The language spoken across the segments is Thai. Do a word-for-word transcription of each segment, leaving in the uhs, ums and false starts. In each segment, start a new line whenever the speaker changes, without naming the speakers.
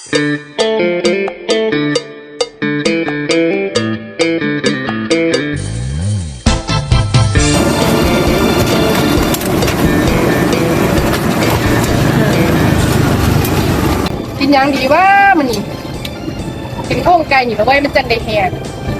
กินยังดีว่ามันนี่เป็นโค้งไก่อยู่แล้วไว้มันจันได้แหง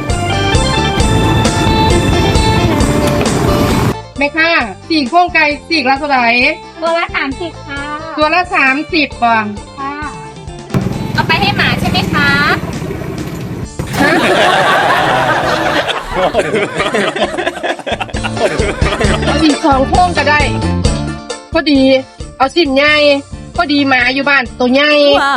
แม่ค่ะสี่โค้งไก่สี่ละเท่าไหร่
ตัวละสามสิบค่ะ
ตัวละสามสิบบ่
ค่ะเอาไปให้หมาใช่ไหมคะ
ฮะเอาอีกสองโค้งก็ได้พอดีเอาสิบใหญ่พอดีหมาอยู่บ้านตัวใหญ่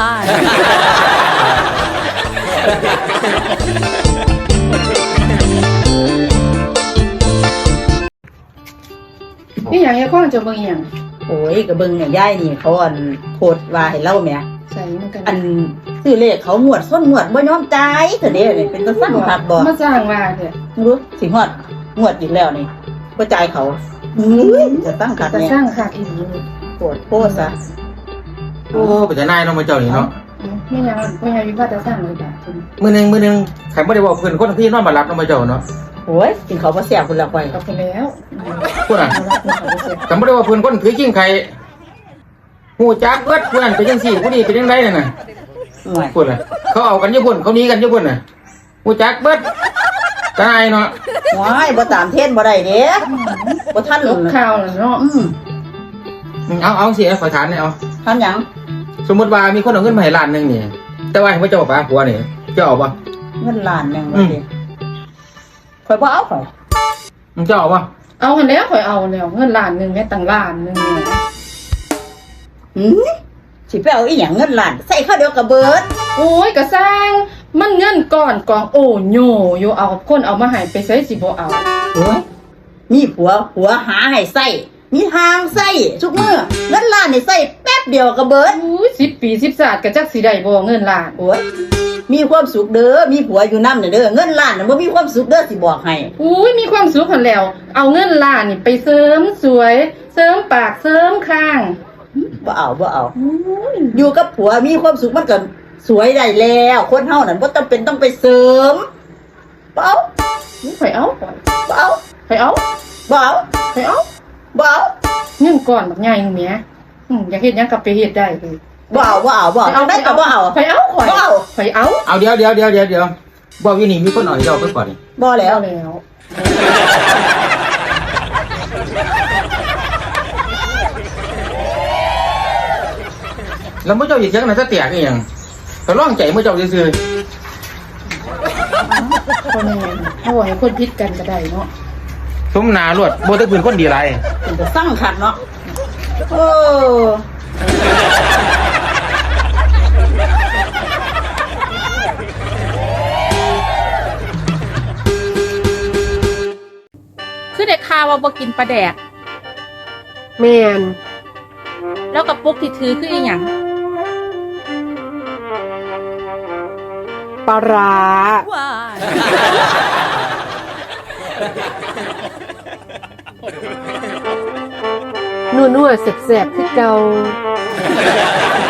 นี่อย่างเงี้ยข้อจะเบิ่งอย่าง
โอ้ยกระเบิงเนี่ยย่ายนี่เขาอันโพดว่าให้เล่าแม่
ใส่มันกัน
อันซื้อเลขเขาหมวดส้นหมวดบ่ยอมจ่ายเถอะเด้นี่เป็นก็สร้างผัดบ่
มาสร้างมาเถอะ
รู้สิฮอดหมวดอีกแล้วนี่บ่จ่ายเขาอื้อจะตั้งขัด
จะ
เนี่ย
สร้างขาดอีก
โพดโพดซะ
โอ้ไปจะนายเนาะมาเจ้านี่เนาะ
ไม่ยังไม่ยังวิวาจะสร้างเลยจ้ะ
มื้อนึงมื้อนึงใครบ่ได้บอกเพิ่นคนพี่นอนบ่หลับเนาะมาเจ้าเนาะ
โอ้ยกินเขาบ่แซ่บพุ่นละไป
กับไปแล้ว
พุ่นน่ะจำบ่ได้ว่าเพิ่นคนถือกิ้งไข่ฮู้จักเบิดผู้นั้นเป็นจังซี่ผู้นี้เป็นจังไดนั่นน่ะพุ่นน่ะเขาเอากันอยู่พุ่นเขาหนีกันอยู่พุ่นน่ะฮู้จักเบิดตายเนาะ
ว้ายบ่ตามเทรนบ่ได้เด้บ่ทัน
ลบข่าวน่ะเนาะ
อื
มเอาเอาสิขอถามหน่อยเอา
ทำหยัง
สมมุติว่ามีคนเอาเงินมาให้ล้านนึงนี่แต่ว่าให้บ่เจ้าป้าผัวนี่เจ้าเอาบ่
เงินล้านนึงบ่ดิข่อยบ่เอาข่อย
มึงเจ้าเอาบ่
เอาหันแล้วข่อยเอาแล้วเงินล้านนึงแม่ตั้งล้านนึงเนี่ย
หือสิไปเอาอีหยังเงินล้านใส่ข้าวเดียวก็เบิด
โอ้ยก็สร้างมันเงินก่อนกองโอ้โยอยู่เอาคนเอามาให้ไปใช้สิบ่เอา
โอ้ยมีผัวผัวหาให้ใส่มีทางใส่ทุกมื้อเงินล้านนี่ใส่แป๊บเดียวก็เบิด
อุ้ยสิบปีสิบศาสตร์ก็จักสิได้บ่เงินล้าน
โอ้ยมีความสุขเด้อมีผัวอยู่นำเด้อเงินล้านน่ะบ่มีความสุขเด้อสิบอกให้
อุ้ยมีความสุขหั่นแล้วเอาเงินล้านนี่ไปเสริมสวยเสริมปากเสริมคาง
บ่เอาบ่เอาอยู่กับผัวมีความสุขมันก็สวยได้แล้วคนเฮานั่นบ่จำเป็นต้องไปเสริมบ่เอา
ข่อยเอา
บ่เอา
ข่อยเอา
บ่เอา
ข่อยเอา
บ่เอา
เงินก่อนบักใหญ่นึงแหมอืออยากเฮ็ดหยังก็ไปเฮ็ดได้เลย
บ่เอาบ่เอาบ่เอาได้ก็บ่เอา
ข่อยเอาข่อย
บ่เอา
ข่อยเอา
เอาเดี๋ยวเดี๋ยวเดี๋ยวเดี๋ยวเดี๋ยวบ่อยู่นี่มีคนเอาให้เจ้าไปก่อนนี่
บ่แล้ว
แล้ว
แล้วมื้อเจ้าอีกจังได๋ซะแตกอีหยังก็ร้องใจมื้อเจ้าซื่อ
ๆคนนี้เฮาให้คนผิดกันก็ได้เนาะ
สมหน้ารวดบ่ได้เป็นคนดีหลาย
เป็นจะสร้างขัดเนาะโอ้
คือเด็กข่าวว่าบ่กินปลาแดก
แม่น
แล้วกระปุกที่ถือคืออีหยัง
ปลาร้านัวๆแซ่บๆคือเก่า